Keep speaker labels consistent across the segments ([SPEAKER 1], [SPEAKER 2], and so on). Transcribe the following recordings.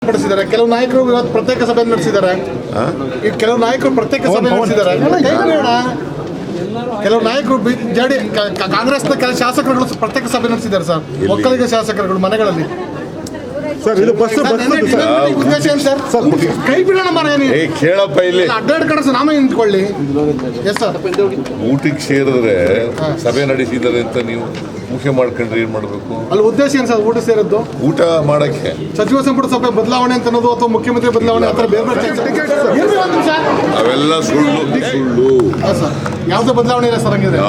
[SPEAKER 1] ಪಡಿಸಿದ್ದಾರೆ ಕೆಲವು ನಾಯಕರು ಇವತ್ತು ಪ್ರತ್ಯೇಕ ಸಭೆ ನಡೆಸಿದ್ದಾರೆ. ಈಗ ಕೆಲವು ನಾಯಕರು ಪ್ರತ್ಯೇಕ ಸಭೆ ನಡೆಸಿದ್ದಾರೆ. ಕೆಲವು ನಾಯಕರು ಕಾಂಗ್ರೆಸ್ನ ಕೆಲ ಶಾಸಕರುಗಳು ಪ್ರತ್ಯೇಕ ಸಭೆ ನಡೆಸಿದ್ದಾರೆ ಸರ್. ಒಕ್ಕಲಿಗ ಶಾಸಕರುಗಳು ಮನೆಗಳಲ್ಲಿ
[SPEAKER 2] ಸರ್ ಇದು ಬಸ್
[SPEAKER 1] ಉದ್ದೇಶ ಏನು ಸರ್? ಕೈ ಬಿಡೋಣ ಮರ
[SPEAKER 3] ಕೇಳಪ್ಪ ಇಲ್ಲಿ
[SPEAKER 1] ಅಡ್ಡಾಡ್ ಕಡೆ ನಾಮೇ ನಿಂತ್ಕೊಳ್ಳಿ. Yes sir.
[SPEAKER 3] ಊಟಕ್ಕೆ ಸೇರಿದ್ರೆ ಸಭೆ ನಡೆಸಿದ್ದಾರೆ ಅಂತ ನೀವು ಮುಖ್ಯ ಮಾಡ್ಕೊಂಡ್ರೆ ಏನ್ ಮಾಡ್ಬೇಕು?
[SPEAKER 1] ಅಲ್ಲಿ ಉದ್ದೇಶ ಏನು ಸರ್ ಊಟ ಸೇರಿದ್ದು?
[SPEAKER 3] ಊಟ ಮಾಡಕ್ಕೆ
[SPEAKER 1] ಸಚಿವ ಸಂಪುಟ ಸಭೆ ಬದಲಾವಣೆ ಅಂತ ಅನ್ನೋದು ಅಥವಾ ಮುಖ್ಯಮಂತ್ರಿ ಬದಲಾವಣೆ ಆ ಥರ ಬೇರೆ
[SPEAKER 3] ಅವೆಲ್ಲ ಸುಳ್ಳು ಸುಳ್ಳು.
[SPEAKER 1] ಸರ್ ಯಾವ್ದು ಬದಲಾವಣೆ ಇಲ್ಲ ಸರ್ ಹಂಗಿದ್ರೆ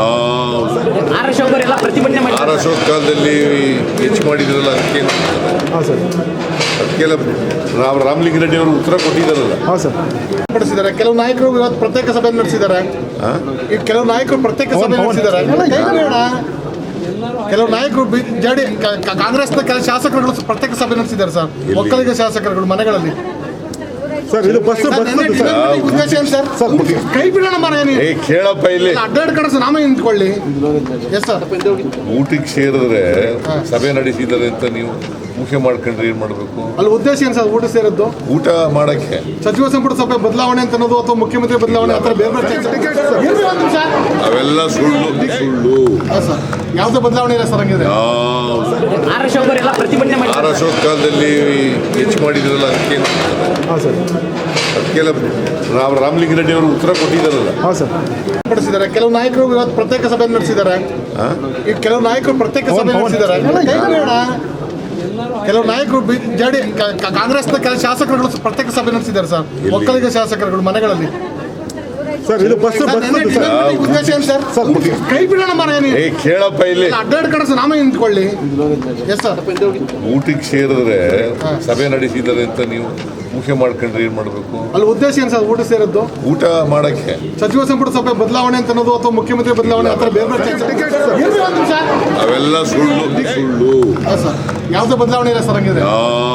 [SPEAKER 3] ಆರ್ ಅಶೋಕ್ ಕಾಲದಲ್ಲಿ ಹೆಚ್ಚು ಮಾಡಿದ್ರಲ್ಲ ಅದಕ್ಕೆಲ್ಲ ರಾಮಲಿಂಗಾರೆಡ್ಡಿ ಅವರು ಉತ್ತರ ಕೊಟ್ಟಿದ್ದಾರಲ್ಲ.
[SPEAKER 1] ಪಡಿಸಿದ್ದಾರೆ ಕೆಲವು ನಾಯಕರು ಇವತ್ತು ಪ್ರತ್ಯೇಕ ಸಭೆ ನಡೆಸಿದ್ದಾರೆ. ಈಗ ಕೆಲವು ನಾಯಕರು ಪ್ರತ್ಯೇಕ ಸಭೆ ನಡೆಸಿದ್ದಾರೆ. ಕೆಲವು ನಾಯಕರು ಕಾಂಗ್ರೆಸ್ನ ಕೆಲ ಶಾಸಕರುಗಳು ಪ್ರತ್ಯೇಕ ಸಭೆ ನಡೆಸಿದ್ದಾರೆ ಸರ್. ಒಕ್ಕಲಿಗ ಶಾಸಕರುಗಳು ಮನೆಗಳಲ್ಲಿ
[SPEAKER 2] ಸರ್ ಇದು ಬಸ್
[SPEAKER 1] ಉದ್ದೇಶ ಏನು ಸರ್? ಕೈ ಬಿಡೋಣ ಮರ
[SPEAKER 3] ಕೇಳಪ್ಪ ಇಲ್ಲಿ
[SPEAKER 1] ಅಡ್ಡಾಡ್ ಕಡೆ ನಾಮೇ ನಿಂತ್ಕೊಳ್ಳಿ. Yes sir.
[SPEAKER 3] ಊಟಕ್ಕೆ ಸೇರಿದ್ರೆ ಸಭೆ ನಡೆಸಿದ್ದಾರೆ ಅಂತ ನೀವು ಮುಖ್ಯ ಮಾಡ್ಕೊಂಡ್ರೆ ಏನ್ ಮಾಡ್ಬೇಕು?
[SPEAKER 1] ಅಲ್ಲಿ ಉದ್ದೇಶ ಏನು ಸರ್ ಊಟ ಸೇರಿದ್ದು?
[SPEAKER 3] ಊಟ ಮಾಡಕ್ಕೆ
[SPEAKER 1] ಸಚಿವ ಸಂಪುಟ ಸಭೆ ಬದಲಾವಣೆ ಅಂತ ಅನ್ನೋದು ಅಥವಾ ಮುಖ್ಯಮಂತ್ರಿ ಬದಲಾವಣೆ ಆ ಥರ ಬೇರೆ
[SPEAKER 3] ಅವೆಲ್ಲ ಸುಳ್ಳು ಸುಳ್ಳು.
[SPEAKER 1] ಸರ್ ಯಾವ್ದು ಬದಲಾವಣೆ ಇಲ್ಲ ಸರ್ ಹಂಗಿದ್ರೆ
[SPEAKER 3] ಆರ್ ಅಶೋಕ್ ಕಾಲದಲ್ಲಿ ಹೆಚ್ಚು ಮಾಡಿದ್ರಲ್ಲ ಅದಕ್ಕೆಲ್ಲ ರಾಮಲಿಂಗಾರೆಡ್ಡಿ ಅವರು ಉತ್ತರ ಕೊಟ್ಟಿದ್ದಾರಲ್ಲ.
[SPEAKER 1] ಪಡಿಸಿದ್ದಾರೆ ಕೆಲವು ನಾಯಕರು ಇವತ್ತು ಪ್ರತ್ಯೇಕ ಸಭೆ ನಡೆಸಿದ್ದಾರೆ. ಈಗ ಕೆಲವು ನಾಯಕರು ಪ್ರತ್ಯೇಕ ಸಭೆ ನಡೆಸಿದ್ದಾರೆ. ಕೆಲವು ನಾಯಕರು ಕಾಂಗ್ರೆಸ್ನ ಕೆಲ ಶಾಸಕರುಗಳು ಪ್ರತ್ಯೇಕ ಸಭೆ ನಡೆಸಿದ್ದಾರೆ ಸರ್. ಒಕ್ಕಲಿಗ ಶಾಸಕರುಗಳು ಮನೆಗಳಲ್ಲಿ
[SPEAKER 2] ಸರ್ ಇದು ಬಸ್
[SPEAKER 1] ಉದ್ದೇಶ ಏನು ಸರ್? ಕೈ ಬಿಡೋಣ ಮರ
[SPEAKER 3] ಕೇಳಪ್ಪ ಇಲ್ಲಿ
[SPEAKER 1] ಅಡ್ಡಾಡ್ ಕಡೆ ನಾಮೇ ನಿಂತ್ಕೊಳ್ಳಿ. Yes sir.
[SPEAKER 3] ಊಟಕ್ಕೆ ಸೇರಿದ್ರೆ ಸಭೆ ನಡೆಸಿದ್ದಾರೆ ಅಂತ ನೀವು ಮುಖ್ಯ ಮಾಡ್ಕೊಂಡ್ರೆ ಏನ್ ಮಾಡ್ಬೇಕು?
[SPEAKER 1] ಅಲ್ಲಿ ಉದ್ದೇಶ ಏನು ಸರ್ ಊಟ ಸೇರಿದ್ದು?
[SPEAKER 3] ಊಟ ಮಾಡಕ್ಕೆ
[SPEAKER 1] ಸಚಿವ ಸಂಪುಟ ಸಭೆ ಬದಲಾವಣೆ ಅಂತ ಅನ್ನೋದು ಅಥವಾ ಮುಖ್ಯಮಂತ್ರಿ ಬದಲಾವಣೆ ಆ ಥರ ಬೇರೆ
[SPEAKER 3] ಅವೆಲ್ಲ ಸುಳ್ಳು ಸುಳ್ಳು.
[SPEAKER 1] ಸರ್ ಯಾವ್ದು ಬದಲಾವಣೆ ಇಲ್ಲ ಸರ್ ಹಂಗಿದ್ರೆ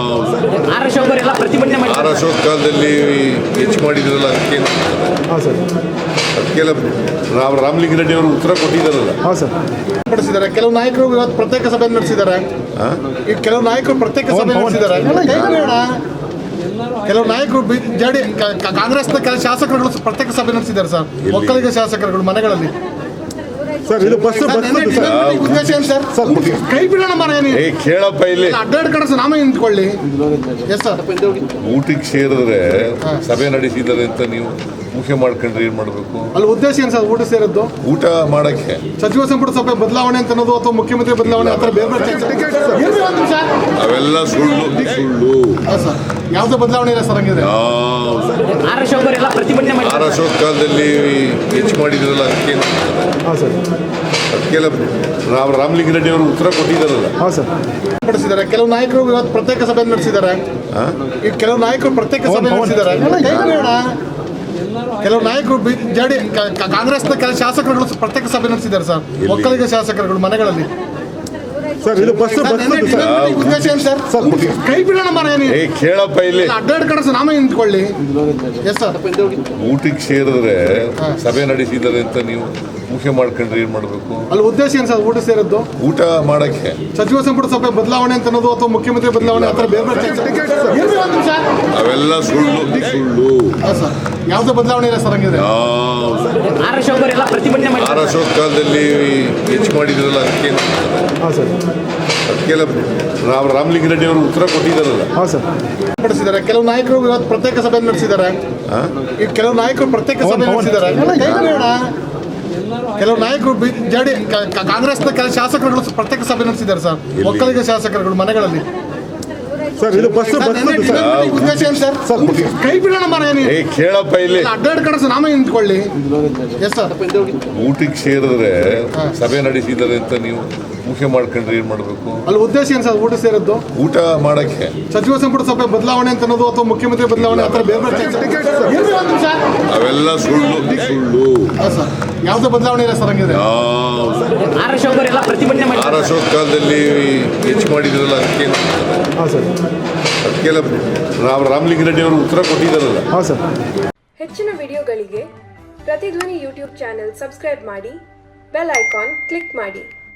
[SPEAKER 3] ಆರ್ ಅಶೋಕ್ ಕಾಲದಲ್ಲಿ ಹೆಚ್ಚು ಮಾಡಿದ್ರಲ್ಲ ಅದಕ್ಕೆಲ್ಲ ರಾಮಲಿಂಗಾರೆಡ್ಡಿ ಅವರು ಉತ್ತರ ಕೊಟ್ಟಿದ್ದಾರಲ್ಲ.
[SPEAKER 1] ಪಡಿಸಿದ್ದಾರೆ ಕೆಲವು ನಾಯಕರು ಇವತ್ತು ಪ್ರತ್ಯೇಕ ಸಭೆ ನಡೆಸಿದ್ದಾರೆ. ಈಗ ಕೆಲವು ನಾಯಕರು ಪ್ರತ್ಯೇಕ ಸಭೆ ನಡೆಸಿದ್ದಾರೆ. ಕೆಲವು ನಾಯಕರು ಕಾಂಗ್ರೆಸ್ನ ಕೆಲ ಶಾಸಕರುಗಳು ಪ್ರತ್ಯೇಕ ಸಭೆ ನಡೆಸಿದ್ದಾರೆ ಸರ್. ಒಕ್ಕಲಿಗ ಶಾಸಕರುಗಳು ಮನೆಗಳಲ್ಲಿ
[SPEAKER 2] ಸರ್ ಇದು ಬಸ್
[SPEAKER 1] ಉದ್ದೇಶ ಏನು ಸರ್? ಕೈ ಬಿಡೋಣ ಮರ
[SPEAKER 3] ಕೇಳಪ್ಪ ಇಲ್ಲಿ
[SPEAKER 1] ಅಡ್ಡಾಡ್ ಕಡೆ ನಾಮೇ ನಿಂತ್ಕೊಳ್ಳಿ. Yes sir.
[SPEAKER 3] ಊಟಕ್ಕೆ ಸೇರಿದ್ರೆ ಸಭೆ ನಡೆಸಿದ್ದಾರೆ ಅಂತ ನೀವು ಮುಖ್ಯ ಮಾಡ್ಕೊಂಡ್ರೆ ಏನ್ ಮಾಡ್ಬೇಕು?
[SPEAKER 1] ಅಲ್ಲಿ ಉದ್ದೇಶ ಏನು ಸರ್ ಊಟ ಸೇರಿದ್ದು?
[SPEAKER 3] ಊಟ ಮಾಡಕ್ಕೆ
[SPEAKER 1] ಸಚಿವ ಸಂಪುಟ ಸಭೆ ಬದಲಾವಣೆ ಅಂತ ಅನ್ನೋದು ಅಥವಾ ಮುಖ್ಯಮಂತ್ರಿ ಬದಲಾವಣೆ ಆ ಥರ ಬೇರೆ
[SPEAKER 3] ಅವೆಲ್ಲ ಸುಳ್ಳು ಸುಳ್ಳು.
[SPEAKER 1] ಸರ್ ಯಾವ್ದು ಬದಲಾವಣೆ ಇಲ್ಲ ಸರ್ ಹಂಗಿದ್ರೆ
[SPEAKER 3] ಆರ್ ಅಶೋಕ್ ಕಾಲದಲ್ಲಿ ಹೆಚ್ಚು ಮಾಡಿದ್ರಲ್ಲ ಅದಕ್ಕೆಲ್ಲ ರಾಮಲಿಂಗಾರೆಡ್ಡಿ ಅವರು ಉತ್ತರ ಕೊಟ್ಟಿದ್ದಾರಲ್ಲ.
[SPEAKER 1] ಪಡಿಸಿದ್ದಾರೆ ಕೆಲವು ನಾಯಕರು ಇವತ್ತು ಪ್ರತ್ಯೇಕ ಸಭೆ ನಡೆಸಿದ್ದಾರೆ. ಈಗ ಕೆಲವು ನಾಯಕರು ಪ್ರತ್ಯೇಕ ಸಭೆ ನಡೆಸಿದ್ದಾರೆ. ಕೆಲವು ನಾಯಕರು ಕಾಂಗ್ರೆಸ್ನ ಕೆಲ ಶಾಸಕರುಗಳು ಪ್ರತ್ಯೇಕ ಸಭೆ ನಡೆಸಿದ್ದಾರೆ ಸರ್. ಒಕ್ಕಲಿಗ ಶಾಸಕರುಗಳು ಮನೆಗಳಲ್ಲಿ
[SPEAKER 2] ಸರ್ ಇದು ಬಸ್
[SPEAKER 1] ಉದ್ದೇಶ ಏನು ಸರ್? ಕೈ ಬಿಡೋಣ ಮರ
[SPEAKER 3] ಕೇಳಪ್ಪ ಇಲ್ಲಿ
[SPEAKER 1] ಅಡ್ಡಾಡ್ ಕಡೆ ನಾಮೇ ನಿಂತ್ಕೊಳ್ಳಿ. Yes sir.
[SPEAKER 3] ಊಟಕ್ಕೆ ಸೇರಿದ್ರೆ ಸಭೆ ನಡೆಸಿದ್ದಾರೆ ಅಂತ ನೀವು ಮುಖ್ಯ ಮಾಡ್ಕೊಂಡ್ರೆ ಏನ್ ಮಾಡ್ಬೇಕು?
[SPEAKER 1] ಅಲ್ಲಿ ಉದ್ದೇಶ ಏನು ಸರ್ ಊಟ ಸೇರಿದ್ದು?
[SPEAKER 3] ಊಟ ಮಾಡಕ್ಕೆ
[SPEAKER 1] ಸಚಿವ ಸಂಪುಟ ಸಭೆ ಬದಲಾವಣೆ ಅಂತ ಅನ್ನೋದು ಅಥವಾ ಮುಖ್ಯಮಂತ್ರಿ ಬದಲಾವಣೆ ಆ ಥರ ಬೇರೆ
[SPEAKER 3] ಅವೆಲ್ಲ ಸುಳ್ಳು ಸುಳ್ಳು.
[SPEAKER 1] ಸರ್ ಯಾವ್ದು ಬದಲಾವಣೆ ಇಲ್ಲ ಸರ್ ಹಂಗಿದ್ರೆ
[SPEAKER 3] ಆರ್ ಅಶೋಕ್ ಕಾಲದಲ್ಲಿ ಹೆಚ್ಚು ಮಾಡಿದ್ರಲ್ಲ ಅದಕ್ಕೆಲ್ಲ ರಾಮಲಿಂಗಾರೆಡ್ಡಿ ಅವರು ಉತ್ತರ ಕೊಟ್ಟಿದ್ದಾರಲ್ಲ.
[SPEAKER 1] ಪಡಿಸಿದ್ದಾರೆ ಕೆಲವು ನಾಯಕರು ಇವತ್ತು ಪ್ರತ್ಯೇಕ ಸಭೆ ನಡೆಸಿದ್ದಾರೆ. ಈಗ ಕೆಲವು ನಾಯಕರು ಪ್ರತ್ಯೇಕ ಸಭೆ ನಡೆಸಿದ್ದಾರೆ. ಕೆಲವು ನಾಯಕರು ಕಾಂಗ್ರೆಸ್ನ ಕೆಲ ಶಾಸಕರುಗಳು ಪ್ರತ್ಯೇಕ ಸಭೆ ನಡೆಸಿದ್ದಾರೆ ಸರ್. ಒಕ್ಕಲಿಗ ಶಾಸಕರುಗಳು ಮನೆಗಳಲ್ಲಿ
[SPEAKER 2] ಸರ್ ಇದು ಬಸ್
[SPEAKER 1] ಉದ್ದೇಶ ಏನು ಸರ್? ಕೈ ಬಿಡೋಣ ಮರ
[SPEAKER 3] ಕೇಳಪ್ಪ ಇಲ್ಲಿ
[SPEAKER 1] ಅಡ್ಡಾಡ್ ಕಡೆ ನಾಮೇ ನಿಂತ್ಕೊಳ್ಳಿ. Yes sir.
[SPEAKER 3] ಊಟಕ್ಕೆ ಸೇರಿದ್ರೆ ಸಭೆ ನಡೆಸಿದ್ದಾರೆ ಅಂತ ನೀವು ಮುಖ್ಯ ಮಾಡ್ಕೊಂಡ್ರೆ ಏನ್ ಮಾಡ್ಬೇಕು?
[SPEAKER 1] ಅಲ್ಲಿ ಉದ್ದೇಶ ಏನು ಸರ್ ಊಟ ಸೇರಿದ್ದು?
[SPEAKER 3] ಊಟ ಮಾಡಕ್ಕೆ
[SPEAKER 1] ಸಚಿವ ಸಂಪುಟ ಸಭೆ ಬದಲಾವಣೆ ಅಂತ ಅನ್ನೋದು ಅಥವಾ ಮುಖ್ಯಮಂತ್ರಿ ಬದಲಾವಣೆ ಆ ಥರ ಬೇರೆ
[SPEAKER 3] ಅವೆಲ್ಲ ಸುಳ್ಳು ಸುಳ್ಳು.
[SPEAKER 1] ಸರ್ ಯಾವ್ದು ಬದಲಾವಣೆ ಇಲ್ಲ ಸರ್ ಹಂಗಿದ್ರೆ
[SPEAKER 3] ಆರ್ ಅಶೋಕ್ ಕಾಲದಲ್ಲಿ ಹೆಚ್ಚು ಮಾಡಿದ್ರಲ್ಲ ಅದಕ್ಕೆಲ್ಲ ರಾಮಲಿಂಗಾರೆಡ್ಡಿ ಅವರು ಉತ್ತರ ಕೊಟ್ಟಿದ್ದಾರಲ್ಲ.
[SPEAKER 4] ಹೆಚ್ಚಿನ ವಿಡಿಯೋಗಳಿಗೆ ಪ್ರತಿಧ್ವನಿ ಯೂಟ್ಯೂಬ್ ಚಾನೆಲ್ ಸಬ್ಸ್ಕ್ರೈಬ್ ಮಾಡಿ, ಬೆಲ್ ಐಕಾನ್ ಕ್ಲಿಕ್ ಮಾಡಿ.